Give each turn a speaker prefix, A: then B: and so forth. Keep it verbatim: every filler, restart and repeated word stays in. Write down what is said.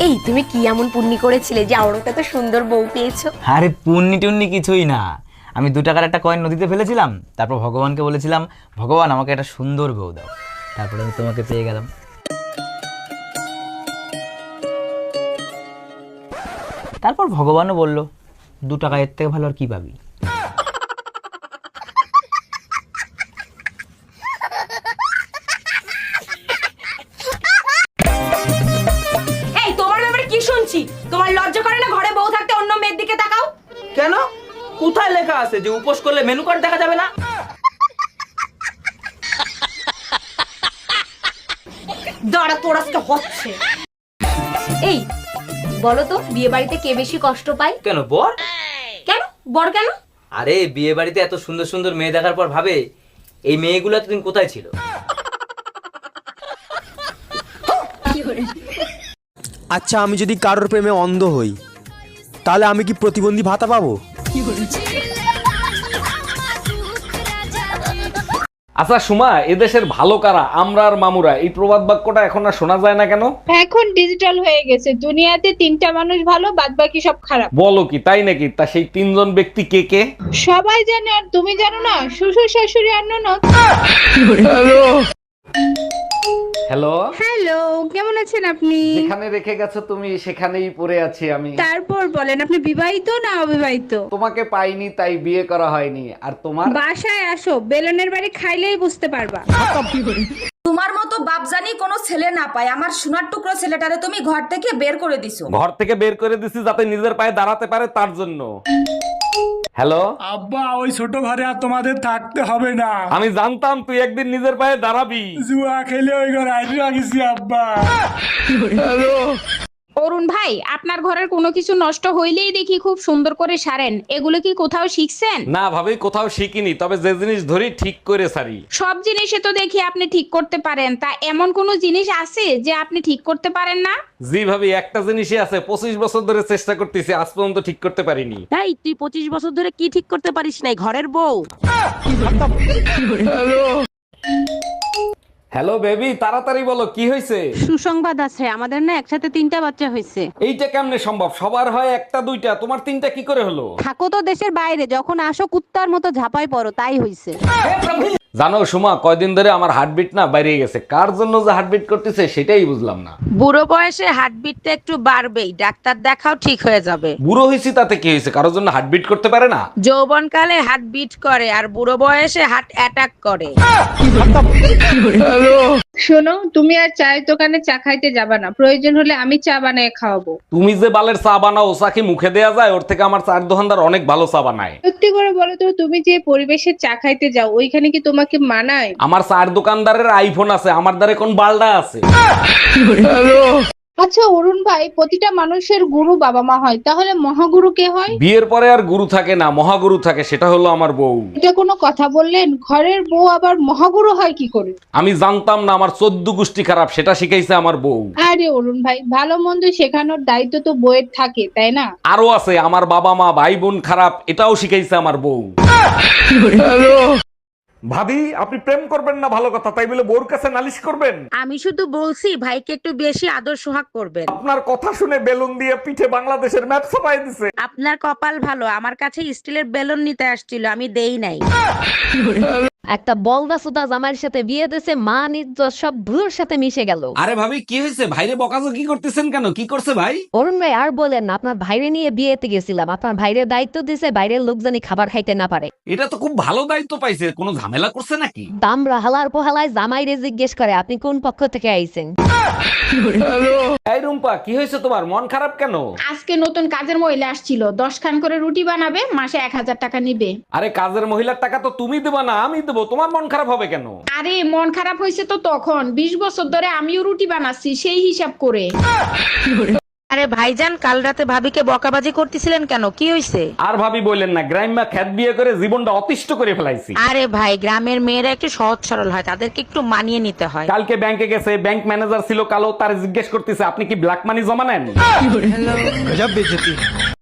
A: এই তুমি কি এমন পুণ্যি করেছিলে যে আওড়াতে এত সুন্দর বউ পেয়েছো?
B: আরে পুণ্যি টুন্নি কিছুই না, আমি দু টাকার একটা কয়েন নদীতে ফেলেছিলাম, তারপর ভগবানকে বলেছিলাম ভগবান আমাকে একটা সুন্দর বউ দাও, তারপরে আমি তোমাকে পেয়ে গেলাম। তারপর ভগবানও বলল দু টাকা এর থেকে ভালো আর কি পাবি।
A: এই তোমার ব্যাপারে কি শুনছি? তোমার লজ্জা করে না ঘরে বউ থাকতে অন্য মেয়ের দিকে তাকাও?
B: কেন? কোথায় লেখা আছে যে উপোস করলে মেনু কার্ড দেখা যাবে না?
A: দাঁড়া তোর আজকে হচ্ছে। এই বলো তো বিয়ে বাড়িতে কে বেশি কষ্ট পায়?
B: কেন বর?
A: কেন বর কেন?
B: আরে বিয়ে বাড়িতে এত সুন্দর সুন্দর মেয়ে দেখার পর ভাবে এই মেয়েগুলো এতদিন কোথায় ছিল।
C: আচ্ছা, আমি যদি কারোর প্রেমে অন্ধ হই তাহলে আমি কি প্রতিবন্ধী ভাতা পাবো?
D: আচ্ছা সুমা, এদেশের ভালো কারা, আমরা আর মামুরা, এই প্রবাদ বাক্যটা এখন আর শোনা যায় না কেন?
E: এখন ডিজিটাল হয়ে গেছে, দুনিয়াতে তিনটা মানুষ ভালো, বাদ বাকি সব খারাপ।
D: বলো কি, তাই নাকি? তা সেই তিনজন ব্যক্তি কে কে?
E: সবাই জানে আর তুমি জানো না? শ্বশুর শাশুড়ি আর ননদ।
D: হ্যালো,
E: হ্যালো, কেমন আছেন আপনি?
D: যেখানে রেখে গেছো তুমি সেখানেই পড়ে আছি আমি।
E: তারপর বলেন, আপনি বিবাহিত না অবিবাহিত?
D: তোমাকে পাইনি তাই বিয়ে করা হয়নি। আর তোমার?
E: বাসায় আসো, বেলনের বাড়ি খাইলেই বুঝতে পারবা।
A: তোমার মতো বাপজানি কোনো ছেলে না পায়, আমার সোনার টুকরো ছেলেটারে তুমি ঘর থেকে বের করে দিছো।
D: ঘর থেকে বের করে দিছি যাতে নিজের পায়ে দাঁড়াতে পারে, তার জন্য। হ্যালো
F: আব্বা, ওই ছোট ঘরে আর তোমাদের থাকতে হবে না।
D: আমি জানতাম তুই একদিন নিজের পায়ে দাঁড়াবি।
F: জুয়া খেলে ওই ঘরে আইসা গেছি আব্বা।
E: অরুণ ভাই, আপনার ঘরের কোনো কিছু নষ্ট হইলেই দেখি খুব সুন্দর করে সারেন, এগুলো কি কোথাও শিখছেন?
D: না ভাবি, কোথাও শিখিনি, তবে যে জিনিস ধরি ঠিক করে সারি।
E: সব জিনিসে তো দেখি আপনি ঠিক করতে পারেন, তা এমন কোন জিনিস আছে যে আপনি ঠিক করতে পারেন না?
D: জি ভাবি, একটা জিনিসই আছে, পঁচিশ বছর ধরে চেষ্টা করতেছি, আজ পর্যন্ত ঠিক করতে পারিনি।
G: তাই তুই পঁচিশ বছর ধরে কি ঠিক করতে পারিস নাই? ঘরের বউ।
D: হ্যালো বেবি, তাড়াতাড়ি বলো কি হয়েছে?
G: সুসংবাদ আছে, আমাদের না একসাথে তিনটা বাচ্চা হয়েছে।
D: এইটা কেমনে সম্ভব? সবার হয় একটা দুইটা, তোমার তিনটা কি করে হলো?
G: থাকো তো দেশের বাইরে, যখন আসো কুত্তার মতো ঝাপাই পড়ো, তাই হইছে।
D: জানো সুমা, কয়দিন ধরে আমার হার্টবিট না বাইরে গেছে, কার জন্য যে হার্টবিট করতেছে সেটাই বুঝলাম না।
G: বুড়ো বয়সে হার্টবিটটা একটু বাড়বেই, ডাক্তার দেখাও, ঠিক হয়ে যাবে।
D: বুড়ো হয়েছি তাতে কি হয়েছে? কারোর জন্য হার্টবিট করতে পারে না?
G: যৌবনকালে হার্ট বিট করে আর বুড়ো বয়সে হার্ট অ্যাটাক করে।
E: শোনো, তুমি আর চায়ের দোকানে চা খাইতে যাবা না, প্রয়োজন হলে আমি চা বানিয়ে খাওয়াবো।
D: তুমি যে বালের চা বানাও, চা কি মুখে দেয়া যায়? ওর থেকে আমার চার দোকানদার অনেক ভালো চা বানায়।
E: সত্যি করে বলো তো, তুমি যে পরিবেশে চা খাইতে যাও ওইখানে কি তোমাকে মানায়?
D: আমার চার দোকানদারের আইফোন আছে, আমার দ্বারে কোন বালডা আছে?
E: আচ্ছা অরুণ ভাই, প্রতিটা মানুষের গুরু বাবা মা হয়, তাহলে মহাগুরু কে হয়?
D: বিয়ের পরে আর গুরু থাকে না, মহাগুরু থাকে, সেটা হলো আমার বউ।
E: এটা কোনো কথা বললেন? ঘরের বউ আবার মহাগুরু হয় কি করে?
D: আমি জানতাম না, আমার চোদ্দ গোষ্ঠী খারাপ, সেটা শিখাইছে আমার বউ।
E: আরে অরুণ ভাই, ভালো মন্দ শেখানোর দায়িত্ব তো বউয়ের থাকে, তাই না?
D: আরো আছে, আমার বাবা মা ভাই বোন খারাপ, এটাও শিখাইছে আমার বউ। ভাবি, আপনি প্রেম করবেন না ভালো কথা, তাই বলে বউর কাছে নালিশ করবেন?
G: আমি শুধু বলছি ভাইকে একটু বেশি আদর সোহাগ করবেন।
D: আপনার কথা শুনে বেলুন দিয়ে পিঠে বাংলাদেশের ম্যাপ ছাপাই দিছে।
G: আপনার কপাল ভালো, আমার কাছে স্টিলের বেলুন নিতে আসছিল, আমি দেই নাই।
H: একটা বলদা সুদা জামাইয়ের সাথে বিয়ে দিয়েছে, মান ইজ্জত সব ধুলোর সাথে মিশে গেল।
D: আরে ভাবি, কি হয়েছে? ভাইরে বকাজকি করতেছেন কেন? কি করছে ভাই?
H: অরুণ ভাই আর বলেন না, আপনার ভাইরে নিয়ে বিয়েতে গেছিলাম, আপনার ভাইরের দায়িত্ব দিছে বাইরের লোক জানি খাবার খাইতে না পারে।
D: এটা তো খুব ভালো দায়িত্ব পাইছে, কোনো ঝামেলা করছে নাকি?
H: দামরা হালার পোহালায় জামাইরে জিজ্ঞেস করে আপনি কোন পক্ষ থেকে আইছেন।
D: এই রুম্পা, কি হয়েছে তোমার? মন খারাপ কেন?
E: আজকে নতুন কাজের মহিলা আসছিল, দশ খান করে রুটি বানাবে, মাসে এক হাজার টাকা নিবে।
D: আরে কাজের মহিলার টাকা তো তুমি দেবা না, আমি দেবো, তোমার মন খারাপ হবে কেন?
E: আরে মন খারাপ হয়েছে তো তখন, বিশ বছর ধরে আমিও রুটি বানাচ্ছি, সেই হিসাব করে।
G: আরে ভাইজান, কাল রাতে ভাবিকে বকাবাজি করতেছিলেন কেন? কি হয়েছে?
D: আর ভাবি বললেন না, গ্রাম্যা খ্যাত বিয়ে করে জীবনটা অতিষ্ঠ করে ফেলাইছি।
G: আরে ভাই, গ্রামের মেয়েরা একটু সহজ সরল হয়, তাদেরকে একটু মানিয়ে নিতে হয়।
D: কালকে ব্যাংকে গেছে, ব্যাংক ম্যানেজার ছিল কালো, তার জিজ্ঞেস করতেছে আপনি কি ব্ল্যাক মানি জমা নেন?
C: গজব বেজতি।